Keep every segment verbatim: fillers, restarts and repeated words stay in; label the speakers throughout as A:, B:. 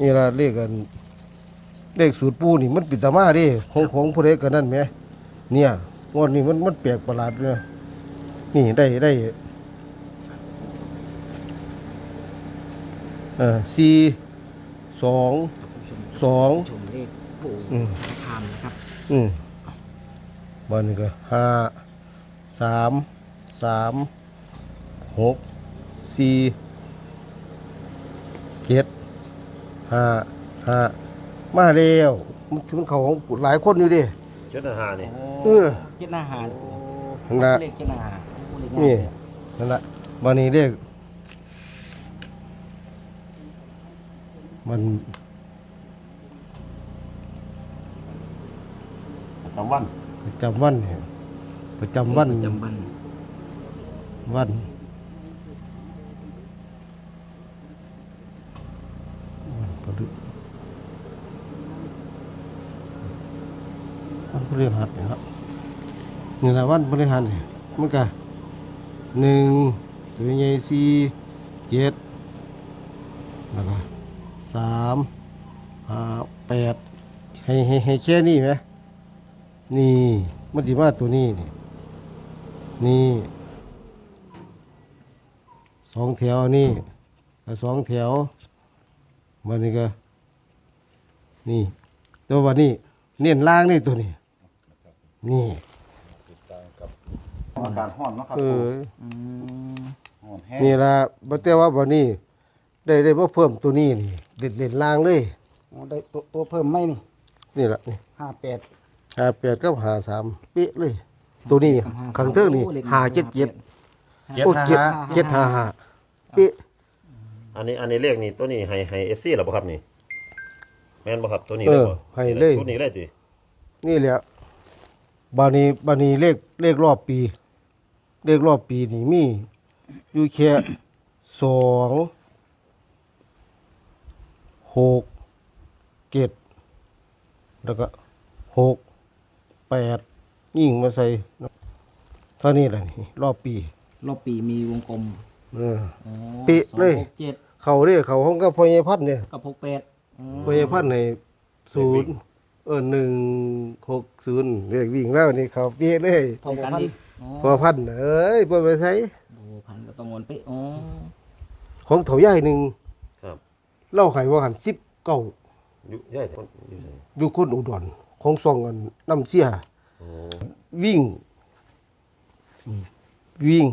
A: นี่ละเลขกันเลขสูตรปูนี่มันปิดตามาดิของของผู้ใดกันนั่นไหมเนี่ยงวดนี้มันมันแปลกประหลาดเลยนี่ได้ได้เออสี่สองสอง
B: ชมเลขปู่สารคามนะครับ
A: อืมบ้านนี้ก็ห้าสามสามหกสี่เจ็ดห้าห้ามาแล้วมันมันเขาของหลายคนอยู่ดิ
C: เจ็ดอาหารนี่
A: เออ
B: เจ็ดอาหาร
A: นั่นละ
B: เลขเจ็ดอาหารเลข
A: นี่
B: ง่ายเลย
A: นั่นละบ้านนี้เรียกมัน
C: ประจำวัน
A: ประจำวันเนี่ยประจำวัน
B: ประจำวัน
A: วันวันพฤวันพฤหัสเนี่ยครับนี่แหละวันพฤหัสเนี่ยมันก็หนึ่งตัวใหญ่สี่เจ็ดแล้วก็สามห้าแปดให้ให้ให้แค่นี้ไหมนี่มันสิมาตัวนี้นี่นี่สองแถวนี่สองแถวมันนี่ก็นี่ตัววันนี้เน้นล่างนี่ตัวนี้นี่
C: อากาศร้อนเนาะครับ
A: เออ
B: อืม
C: ร้อนแห้ง
A: นี่ละบัแต่ว่าวันนี้ได้ได้มาเพิ่มตัวนี้นี่เด็ดเด่นล่างเลย
B: อ๋อได้ตัวตัวเพิ่มไหมนี่
A: นี่แหละนี่
B: ห้าแปด
A: หาแปดกับหาสามเป๊ะเลย ตัวนี้ขังเทิงนี่หาเจ็ดเจ็ด
C: เจ็ด
A: โอ้
C: ห้า
A: เจ็ด
C: ห้า
A: เจ็ดหาหาเป๊ะ
C: อันนี้อันนี้เลขนี่ตัวนี้ให้ให้เอฟซีหรอบ่ครับนี่แม่นบ่ครับตัวนี้
A: เอ
C: เลย
A: อ
C: บ่
A: ให้เลย
C: ชุดนี้เลยติ
A: นี่แหละบานีบานีเลขเลขรอบปี เลขรอบปีนี่มีอยู่แค่สองหกเจ็ดแล้วก็หกแปดยิ่งมาใส่เท่านี้แหละนี่รอบปี
B: รอบปีมีวงกลม
A: เออ
B: อ๋อ
A: ปิเลย
B: สองหกเจ็ด
A: เขาเรียกเขาห้องก็พอยพัดเนี่ย
B: กับหกแปดอืม
A: พอยพัดในศูนย์เออหนึ่งหกศูนย์เรียกวิ่งแล้วนี่เขาเปี้ยเลย
B: พร้อมกันดิอ๋อ
A: พอพันเอ้ยพอไปใช้
B: โอ้พันก็ต้องวนเป๊ะอ๋อ
A: ของเถาใหญ่หนึ่ง
C: ครับ
A: เล่าไขว่าหันสิบเก้า
C: อยู่ใหญ่คนอยู่ไส
A: อยู่คนอุดรของซองกันน้ำเสีย
C: โอ้
A: วิ่งอืมวิ่ง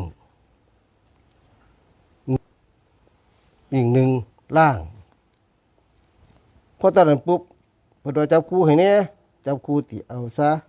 A: วิ่งหนึ่งล่างพอตอนนั้นปุ๊บพอโดนจับคู่ให้เนี่ยจับคู่ติเอาซะ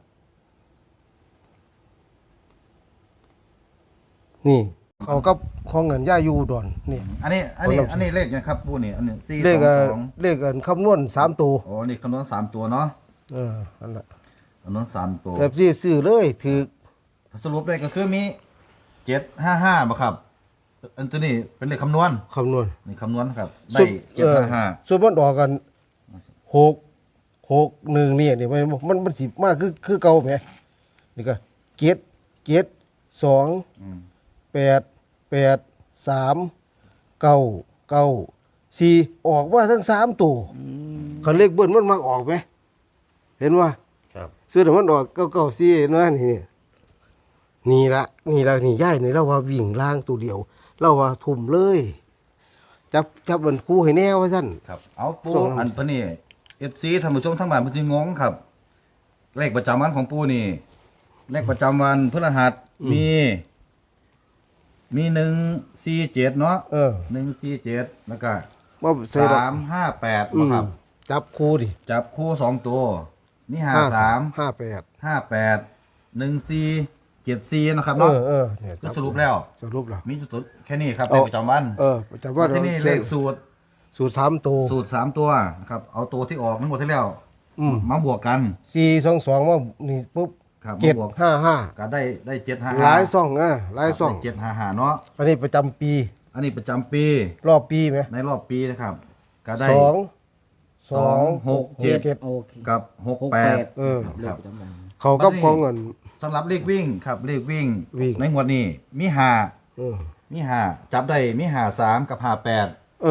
A: นี่เขาก็ของเงินย่าอยู่อุดรนี่
D: อันนี้อันนี้อันนี้เลขยังครับปูนี่อันนี้สี่
A: เลข
D: ส
A: เอ่
D: อ
A: อง
D: สอง
A: เลขเอ่อคำนวณสามตัว
D: โอ้นี่คำนวณสามตัวเนาะ
A: เอออันละ
D: คำนวณสามตัว
A: แต่ที่ซื้อเลยถือ
D: สรุปได้ก็คือมีเจ็ดห้าห้าบ่ครับ อันตัวนี้เป็นเลขคำนวณ
A: คำนวณ
D: นี่คำนวณครับ ได้
A: สุด
D: เจ็ดห้าห้า
A: ส่วนมันออกกันหกหกหนึ่งเนี่ยนี่มันมันมันสิมากคือคือเก่าไหมนี่ก็เจ็ดเจ็ดสองแปดแปดสามเก้าเก้าสี่ออกว่าทั้งสามตัวคันเลขเบิ้ลมันมักออกไหมเห็นว่า
C: ครับ
A: ซื้อแต่มันออกเก้าเก้าสี่เห็นว่านี่นี่ละนี่ละนี่ย่ายนี่เราว่าวิ่งล่างตัวเดียว เราว่าทุ่มเลยจับจับมันคู่ให้แน่ว่าสั้น
D: ครับ เอาปู
A: ส่ง
D: อันตัวนี้เอฟซีท่านผู้ชมทั้งบ้านมันจะงงครับ เลขประจำวันของปูนี่ เลขประจำวันพฤหัสมี มีหนึ่งสี่เจ็ดเนาะ
A: เออ
D: หนึ่งสี่เจ็ดแล้วก็
A: ว่าใส่ดอก
D: สามห้าแปด
A: อืม
D: ครับ
A: จับคู่ดิ
D: จับคู่สองตัวนี่ห้าสาม
A: ห้าแปด
D: ห้าแปดหนึ่งสี่เจ็ดสี่นะครับ
A: เอ
D: เนาะ
A: อเออเนี่ย
D: ก็สรุปแล้ว
A: สรุปแล้ว
D: มีจุดแค่นี้ครับ
A: เอา
D: เลขประจำวัน
A: เออจับว่า
D: ที่นี่เลขสูตร
A: สูตรสามตัว
D: สูตรสามตัวนะครับเอาตัวที่ออกทั้งหมดที่แล้ว
A: อืม
D: มาบวกกัน
A: สี่สองสองว่านี่ปุ๊บ
D: ครับ
A: เจ็ด
D: มาบวก
A: ห้าห้า
D: ก็ได้ได้เจ็ดห้า
A: หลายซ่องอ่ะหลายซ่อง
D: เจ็ดห้าห้าเนาะ
A: อันนี้ประจำปี
D: อันนี้ประจำปี
A: รอบปีไหม
D: ในรอบปีนะครับ ก็ได้
A: สอง
D: สองหกเจ็ด
A: เจ็ด
B: โอเค
D: กับหก
B: หก
D: แป
B: แป
D: ด
B: ด
A: เออ
B: เลขประจำวัน
A: เขากับของเงิน
D: สำหรับเลขวิ่งครับเลขวิ่ง
A: วิ่ง
D: ในงวดนี้มีห้า
A: เออ
D: มีห้าจับได้มีห้าสามกับห้าแปด
A: เออ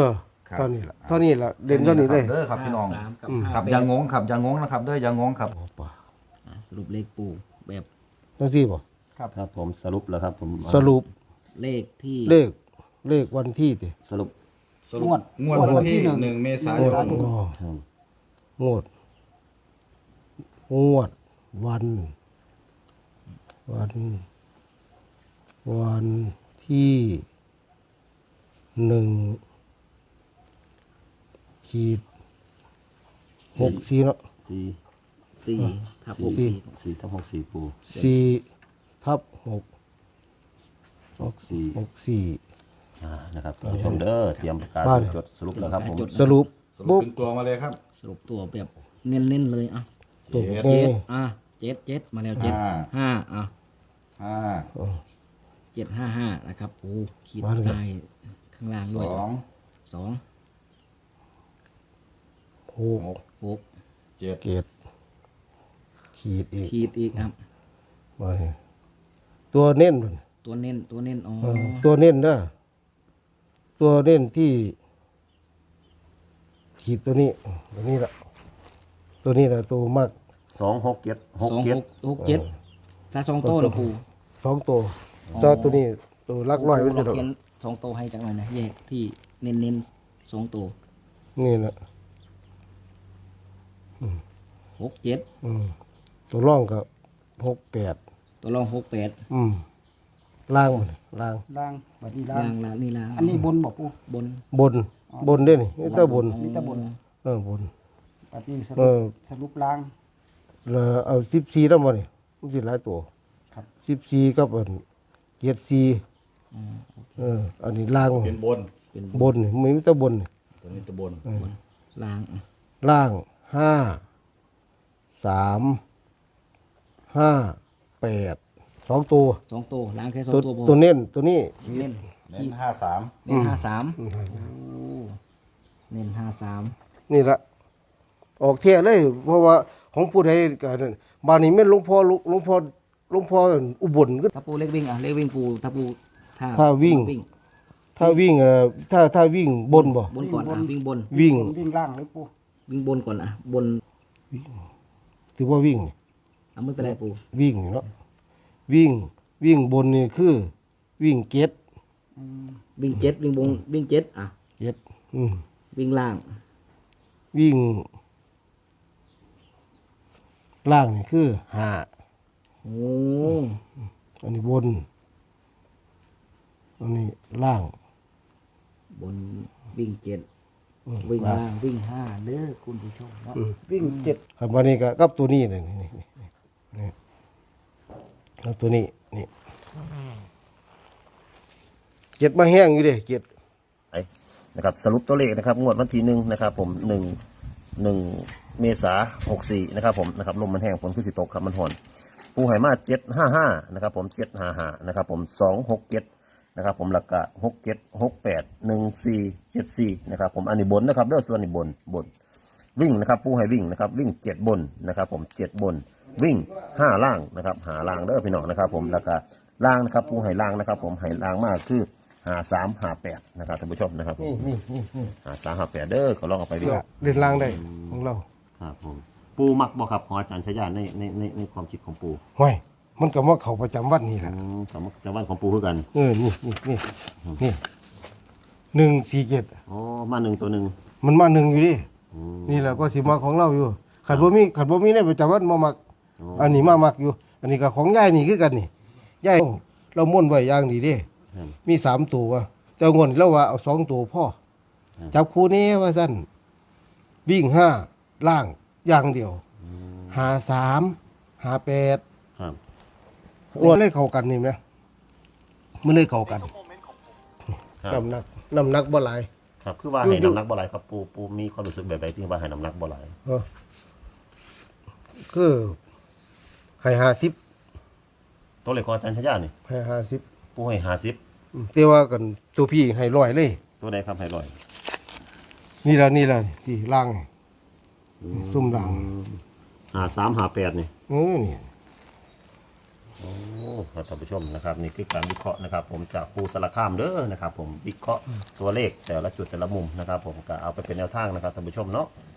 D: ครับ
A: เท่านี้ละเท่านี้ละเด่นเท่านี้เลย
D: เด้อครับพี่น้อง
B: ห้าสามกับ
D: ครับ
B: ห้า
D: อย่าง
B: แปด
D: งงครับอย่างงงนะครับเด้ออย่างงงครับ
B: อ่ะสรุปเลขปูแบบ
A: นั่นสิบ่
C: ครับผมสรุปแล้วครับผม
A: สรุป
B: เลขที่
A: เลขเลขวันที่ติ
C: สรุป
D: งวดงวดวันที่หนึ่งเมษายน
A: อ๋อ
C: ครับ
A: งวดงวดวัน วัน วันที่หนึ่งขีดหกสี่เนาะ
C: สี่
B: สี่ทับหก
A: สี่
B: สี่
C: สี่ทับหกสี่ปู
A: สี่ทับหก
C: หกสี่
A: หกสี่
C: อ่านะครับท่านผู้ชมเด้อเตรียมประกาศ
A: บ้าน
C: จดสรุปแล้วครับผม
A: สรุป
D: สรุป
A: ปุ๊บ
D: เป็นตัวมาเลยครับ
B: สรุปตัวแบบเน้นๆเลยอ่ะ
A: ตัว
D: เจ็ด
A: เน่
B: เจ็ดอ่ะเจ็ดเจ็ดมาแล้วเจ็ด
D: ห้า
B: ห้าอ่ะ
D: ห้า
B: เจ็ดห้าห้านะครับโอ้ขีด
A: มาเลยครับ
B: ใต้ข้างล่าง
D: ส
B: ด้วย
D: อง
B: สอง
A: หก
D: หก
B: หก
D: เจ็ด
A: เกตขีดอีก
B: ขีดอีกครับ
A: มาเนี่ยตัวเน้นมัน
B: ตัวเน้นตัวเน้นอ๋อ
A: เออตัวเน้นเด้อตัวเน้นที่ ขีดตัวนี้ ตัวนี้แหละตัวนี้แหละตัวมาก
C: สองหกเจ็ดหก
B: สอง
C: เจ็
B: ห
C: ด
B: กหกเจ็ดถ้าสองโต้เหรอปู
A: สองตัวเจ้าตัวนี้ตัวลักร้อยมัน
B: เรา
A: จะดอก
B: เขียนสองโต้ให้จังหน่อยนะแยกที่เน้นเน้นๆสองโต้
A: นี่แหละ
B: หกเจ็ด
A: อืมตัวร่องกับหกแปด
B: ตัวรองหกแปด
A: อืมล่างมันล่าง
E: ล่างบัดนี้ล่า
B: ล่าง งล่างนี่ล่าง
E: อันนี้บนบอกปู
B: บน
A: บน บนได้นี่นี่แต่บน
E: มีแต่บน
A: เออบน
E: บัดนี้ส
A: เอ
E: รุป
A: อ
E: สรุปล่าง
A: แล้วเอาสิบสี่แล้วมาเนี่ยมันสิหลายตัว
E: ครับ
A: สิบสี่กับอันเจ็ดสี่เออ อันนี้ล่าง
D: เป็นบน
B: เป็น
A: บนนี่มีแต่บนนี่
D: ตัวนี้ตัวบน
B: ล่างอ่ะ
A: ล่างห้าสามห้าแปดสองตัว
B: สองโต้ล่างแค่สอง
A: ตัว
B: ตัวพอ
A: ตัวเน้นตัวนี้
B: เน้น
D: เน้นห้าสาม
B: เน้นห้าสามโอ้เน้นห้าสาม
A: นี่ละออกเที่ยเลย เพราะว่าของผู้ใดกันบ้านนี้แม่นหลวงพ่อหลวงพ่อหลวงพ่ออุบลก็
B: ถ้าปูเล็กวิ่งอ่ะเล็กวิ่งปูถ้าปูถ้า
A: ถ้าวิ่ง ถ้าวิ่งเอ่อถ้าถ้าวิ่งบนบ่
B: บนก่อนอ่ะวิ่งบน
A: วิ่ง
E: บนวิ่งล่างเลยปู
B: วิ่งบนก่อนอ่ะบน
A: ถือว่าวิ่งนี่
B: อ่ะไม่เป็นไรปู
A: วิ่งนี่เนาะวิ่งวิ่งบนนี่คือ วิ่งเก็ด
B: วิ่งเจ็ดวิ่งบนวิ่งเจ็ดอ่ะ
A: เก็ดอืม
B: วิ่งล่าง
A: วิ่ง ล่างนี่คือห้า
B: โอ้
A: อันนี้บน อันนี้ล่าง
B: บนวิ่งเจ็ดวิ่งล่างวิ่งห้าเด้อคุณผู้ชมเนาะ
E: วิ่งเจ็ด
A: คำว่านี้ก็กับตัวนี้นี่นี่นี่นี่นี่กับตัวนี้นี่เจ็ดมาแห้งอยู่เด้เจ็ด
C: ไอ้นะครับสรุปตัวเลขนะครับงวดวันที่หนึ่งนะครับผมหนึ่งหนึ่งเมษาหกสี่นะครับผมนะครับลมมันแห้งฝนคือสิตกครับมันห่อนปูไหมาเจ็ดห้าห้านะครับผมเจ็ดห้าห้านะครับผมสองหกเจ็ดนะครับผมหลักกะหกเจ็ดหกแปดหนึ่งสี่เจ็ดสี่นะครับผมอันนี้บนนะครับเด้อส่วนนี้บนบนวิ่งนะครับปูให้วิ่งนะครับวิ่งเจ็ดบนนะครับผมเจ็ดบนวิ่งห้าล่างนะครับหาล่างเด้อพี่น้องนะครับผมแล้วก็ล่างนะครับปูให้ล่างนะครับผมให้ล่างมากคือหาสามหาแปดนะครับท่านผู้ชมนะครับผม
A: นี่นี่นี่นี่
C: หาสามหาแปดเด้อก็ลองเอาไปดู
A: เนี่ยเล่นล่างได้ของเรา
C: ครับผมปูมักบ่ครับของอาจารย์ชายาในในในในความคิดของปู
A: ห้วยมันก็มาเขาประจำวันนี่แหละ
C: อืมสำหรับจังหวัดของปูคือกัน
A: เออนี่นี่นี่นี่หนึ่งสี่เจ็ด
C: อ๋อมาหนึ่งตัวหนึ่ง
A: มันมาหนึ่งอยู่ดิ
C: อืม
A: นี่แหละก็สิมาของเราอยู่ขัดบ่มีขัดบ่มีในประจำวันมามัก อันนี้มามักอยู่ อันนี้ก็ของยายนี่คือกันนี่ยายเราม่วนไว้อย่างดีเด้
C: ครับ
A: มีสามตัวว่ะแต่งวนเราว่าเอาสองตัวพ่อ
C: ครับ
A: จับคู่นี้ว่าสั้นวิ่งห้าล่างอย่างเดียวหาสามหาแปด
C: ครับ
A: รวมเลยเข้ากันนี่ไหมมันเลยเข้ากัน
C: ครับ
A: น้ำหนักน้ำหนักบ่หลาย
C: ครับคือว่าให้น้ำหนักบ่หลายครับปูปูมีความรู้สึกแบบใดที่ว่าให้น้ำหนักบ่หลาย
A: เออคือให้ห้าสิบ
C: ตัวเลขของอาจารย์ชายานี่
A: ให้ห้าสิบ
C: ปูให้ห้าสิบ
A: แต่ว่ากันตัวพี่ให้ร้อยเลย
C: ตัวใดครับให้ร้อย
A: นี่ละนี่ละที่ล่างนี่ซุ่มล่าง
C: หาสามหาแปดนี่
A: เออนี่
C: โอ้ท่านผู้ชมนะครับนี่คือการวิเคราะห์นะครับ ผมจากปูสารคามเด้อนะครับ ผมวิเคราะห์ตัวเลขแต่ละจุดแต่ละมุมนะครับ ผมก็เอาไปเป็นแนวทางนะครับท่านผู้ชมเนาะ